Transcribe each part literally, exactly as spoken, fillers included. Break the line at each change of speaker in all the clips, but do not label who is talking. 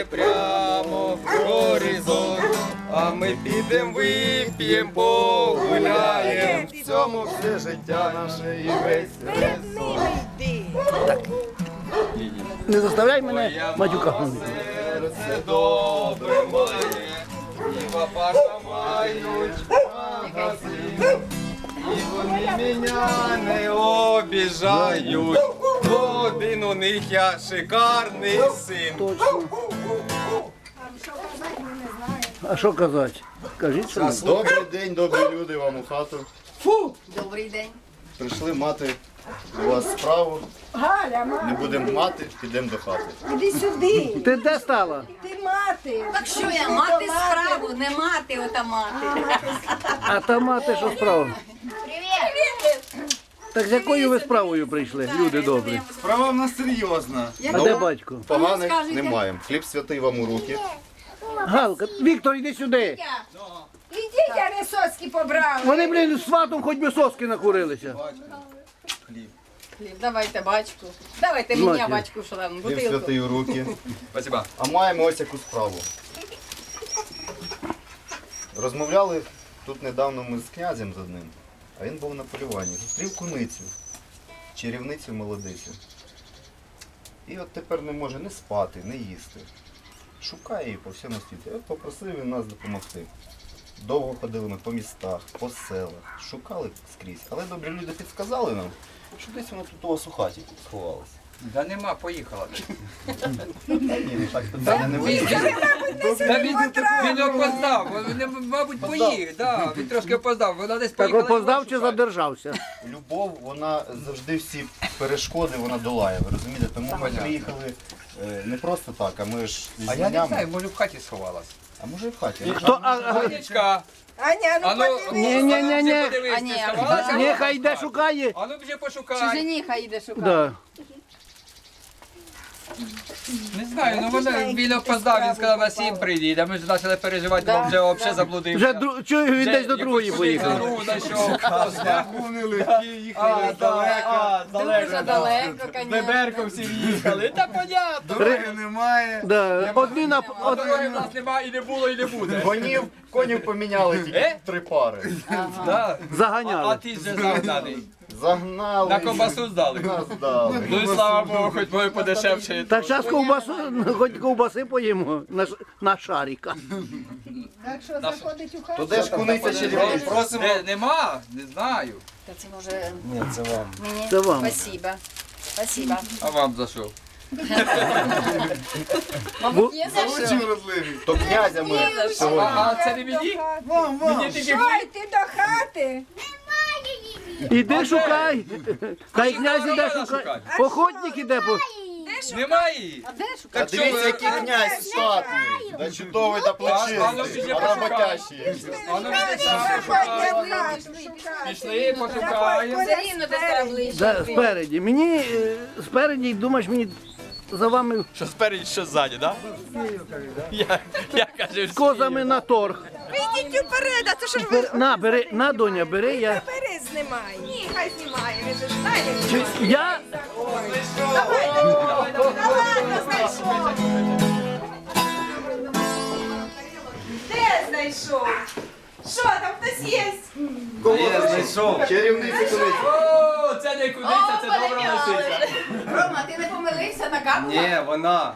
сягає прямо в горизонт, а ми підем, вип'єм, погуляєм. В цьому все життя наше і весь резон.
Не заставляй мене матюка.
Серце добре має, і папаша мають магазин. І вони мене не обіжають, один у них я шикарний син.
Точно. А що казати? Кажіть, що не.
Добрий день, добрі люди, вам у хату.
Добрий день.
Прийшли мати у вас справу.
Галя, мати,
Не будемо мати, підемо до хати.
іди сюди.
Ти де стала?
Ти мати.
Так що я, мати справу, не мати, ота мати.
А та мати що справа? Так з якою ви справою прийшли, люди добрі?
Справа в нас серйозна.
А де батько?
Поганих не маємо. Хліб святий вам у руки.
Галка, Віктор, іди сюди.
Ідіть, я не соски побрали.
Вони, блін, з сватом хоч би соски накурилися.
Хліб, давайте бачку. Давайте мені
Мати.
бачку, що там,
Хліб
бутилку.
святий у руки.
Спасибо.
А маємо ось яку справу. Розмовляли тут недавно ми з князем з одним, а він був на полюванні. Зустрів куницю, чарівницю молодицю. І от тепер не може не спати, не їсти. Шукає її по всьому світі. От попросив він нас допомогти. Довго ходили ми по містах, по селах, шукали скрізь. Але добрі люди підсказали нам, що десь вона тут у вас у хаті сховалася.
Да нема, поїхала.
Ні, ну так питання не вийде.
Та він, він опоздав, він, мабуть, поїхав, да, він трошки опоздав, вона десь
Так
поїхала.
опоздав чи задержався?
Любов, вона завжди всі перешкоди вона долає, ви розумієте? Тому ми приїхали е, не просто так, а ми ж зі
А я не
знаннями.
знаю, може в хаті сховалась.
А може і в хаті.
Хто? А, а,
Анечка,
Аня, ну
а ну,
подивись.
Ні, ні, ні, ні.
подивись,
А,
ти
ні.
сховалася?
Нехай йде шукає.
А ну вже пошукай.
Чуженіха йде шукати.
Да.
Не знаю, ну вона, він опоздав, він сказав, на сім приїде, а ми ж почали переживати, бо вже взагалі заблудився.
Вже дру... чую, він десь до другої поїхав.
Другу знайшов.
Вони легкі, їхали
далеко.
Дуже далеко, звісно.
всі їхали, та понятно.
Дороги немає.
Да. Одні на...
А
Од...
дороги в нас немає і не було, і не буде.
Гонів, конів поміняли тільки
Е?
три пари.
Да. А
Заганяли.
ти вже загнаний.
Загнали.
На ковбасу здали.
Нас дали.
Ну і слава Богу, хоч моє подешевше.
Так зараз ковбасу, хоч ковбаси поїмо на, ш- на шаріка.
Так що заходить у хату?
То де ж куниця чарівниця?
Просимо.
Де, нема? Не знаю.
Та це може
Ні, це вам.
мені?
Це вам.
Спасибо. Спасибо.
А вам за що?
Мабуть, є за що?
То князя ми
А,
сьогодні.
а це не мені?
Вам, вам.
Мені тільки
Що, йти до хати?
Іди шукай. Хай
А
князь
що
іде
вона
шукай.
шукає?
Охотник іде. По...
Немає.
А де шукати?
А дивіться, який князь статний. Да чудовий, да плечистий, а роботящий.
А ну пішли
Заходьте
пошукаємо.
в хату шукати.
Пішли, пошукаємо.
Все рівно десь треба ближче.
Да, спереді. Мені е, спереді, думаєш, мені за вами
Що спереді, що ззаді, так? Я, я кажу,
з козами на торг.
Ідіть уперед, а то що ж ви
Бер- На, бери, на, доня, бери, я...
бери знімай. Ні, хай знімає, ви ж знаєте.
Чи- Я...
Де знайшов? Що, там хтось є?
Я знайшов.
Чарівниця куниця.
О, це не кудиця, це добра лисиця.
Рома, ти не помилився на капу?
Ні, вона.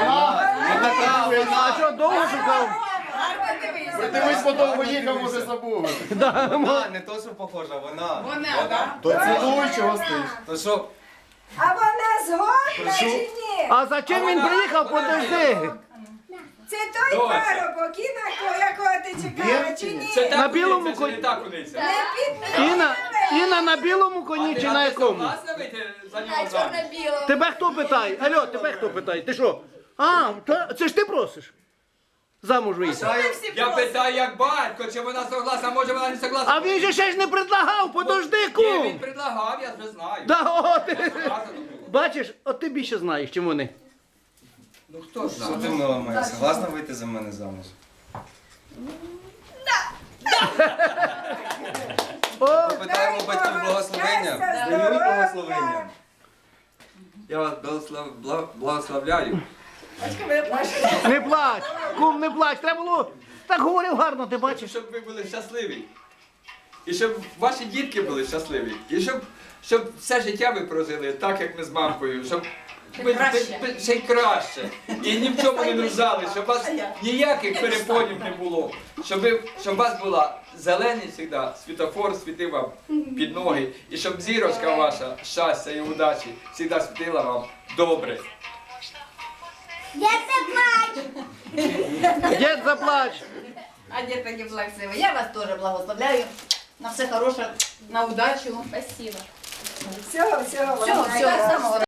А що, довго шукав?
Гарно дивися.
Дивись, подовго їхав, може забув.
Вона, не то, що похожа, вона.
Вона, так?
То цілуй, чого стоїш.
То що,
А вона згодна чи ні?
А за чим він приїхав, подожди.
Це той
Доця.
парубок, і на ко- якого ти чекала, чи ні?
Це та
На
кудиця,
білому
це
коні.
не та кудиця.
Не підтримуй.
Іна, Іна на білому коні чи на якому?
Согласна вийти за
А
нього заміж?
чорно-біло.
Тебе хто питає? Алло, тебе хто питає? Ти що? А, та, це ж ти просиш? Замуж вийти.
Я питаю як батько, чи вона согласна, може вона не согласна.
А він же ще ж не предлагав, подожди,
Ні,
кум.
він предлагав, я вже знаю.
Да, о, ти.
Сказано було.
Бачиш, от ти більше знаєш, чим вони.
Ну хто
що
знає?
ти мною моя? Согласна вийти за мене замуж?
О,
Питаємо батьків благословення.
щастя,
Дають
здоров'я.
благословення.
Я вас благослов... бла- благословляю.
Не плач, кум, не плач. Треба було, так говорив гарно, ти бачиш.
Щоб ви були щасливі. І щоб ваші дітки були щасливі. І щоб, щоб все життя ви прожили так, як ми з мамкою. Щоб ви, ви- ви- ще й краще. І ні в чому не нуждали, щоб у вас ніяких перепонів не було. Щоб, ви, щоб у вас була зелений завжди, світофор світив вам під ноги. І щоб зірочка ваша, щастя і удачі завжди світила вам добре.
Дід заплач.
А дід таки плаксивий. Я вас теж благословляю. На все хороше, на удачу.
Всього, всього.
Всього, всього самого.